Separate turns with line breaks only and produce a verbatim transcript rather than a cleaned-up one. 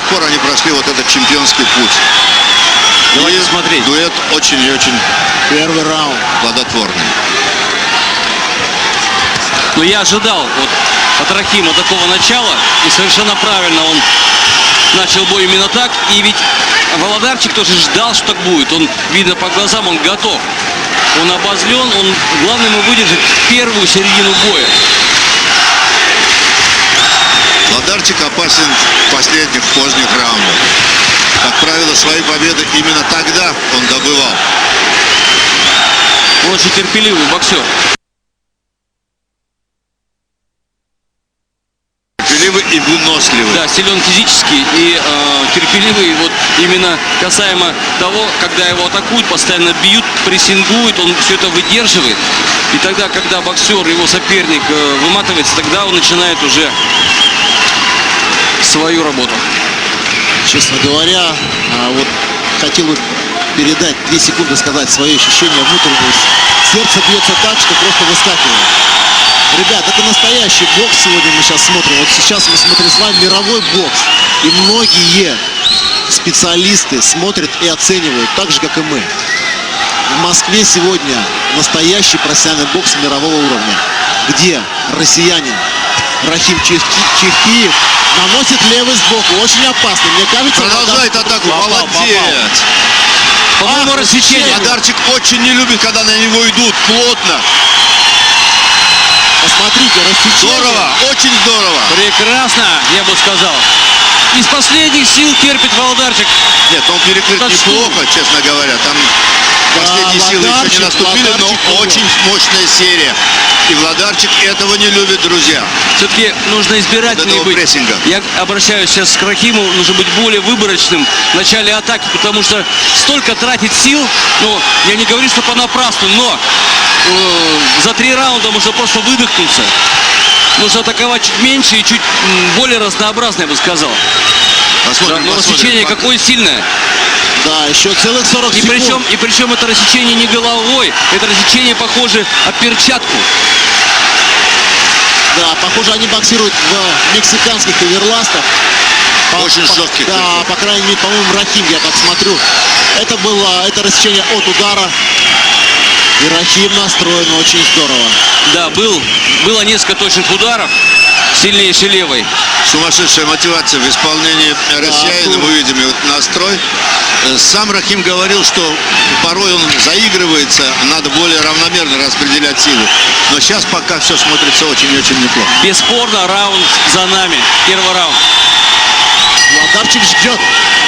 пор они прошли вот этот чемпионский путь.
Давайте
и
смотреть.
Дуэт очень и очень
Первый раунд
плодотворный.
Но я ожидал вот от Рахима такого начала, и совершенно правильно он начал бой именно так. И ведь Володарчик тоже ждал, что так будет. Он, видно по глазам, он готов. Он обозлен, он, главное ему выдержать первую середину боя.
Володарчик опасен в последних, в поздних раундах. Как правило, свои победы именно тогда он добывал.
Он очень терпеливый боксер.
Терпеливый и выносливый.
Да, силен физически и э, терпеливый. Вот именно касаемо того, когда его атакуют, постоянно бьют, прессингуют, он все это выдерживает. И тогда, когда боксер, его соперник э, выматывается, тогда он начинает уже свою работу.
Честно говоря, вот хотел бы передать две секунды, сказать свои ощущения внутренние. Сердце бьется так, что просто выскакивает. Ребят, это настоящий бокс сегодня мы сейчас смотрим. Вот сейчас мы смотрим с вами мировой бокс. И многие специалисты смотрят и оценивают, так же, как и мы. В Москве сегодня настоящий профессиональный бокс мирового уровня, где россиянин Рахим Чехтиев наносит левый сбоку. Очень опасно. Мне кажется,
продолжает
Володар...
атаку.
Попал,
Молодец.
По-моему, рассечение.
Володарчик очень не любит, когда на него идут плотно.
Посмотрите, рассечение.
Здорово, очень здорово.
Прекрасно, я бы сказал. Из последних сил терпит Володарчик.
Нет, он перекрыт
Так
неплохо,
что?
честно говоря. Там
Да,
последние силы еще
Володарчик,
не наступили, но
Володарчик
очень мощная серия. И Володарчик этого не любит, друзья.
Все-таки нужно избирательнее
Вот
быть.
прессинга.
Я обращаюсь сейчас к Рахиму, нужно быть более выборочным в начале атаки, потому что столько тратить сил, ну, я не говорю, что понапрасну, но э, за три раунда можно просто выдохнуться. Нужно атаковать чуть меньше и чуть м, более разнообразно, я бы сказал.
Посмотрим,
Да, но
посмотрим.
рассечение какое сильное.
Да, еще целых сорок
И
секунд.
причем, и причем это рассечение не головой, это рассечение похоже о перчатку.
Да, похоже, они боксируют в мексиканских оверластах. По-
Очень
по-
жестких.
Да, по крайней мере, по-моему, Рахим, я так смотрю. Это было, это рассечение от удара. И Рахим настроен очень здорово.
Да, был, было несколько точных ударов, сильнейший левой.
Сумасшедшая мотивация в исполнении россиянина.
тут-
Мы видим его настрой. Сам Рахим говорил, что порой он заигрывается, надо более равномерно распределять силы. Но сейчас пока все смотрится очень и очень неплохо.
Бесспорно, раунд за нами. Первый раунд.
Володарчик ждет.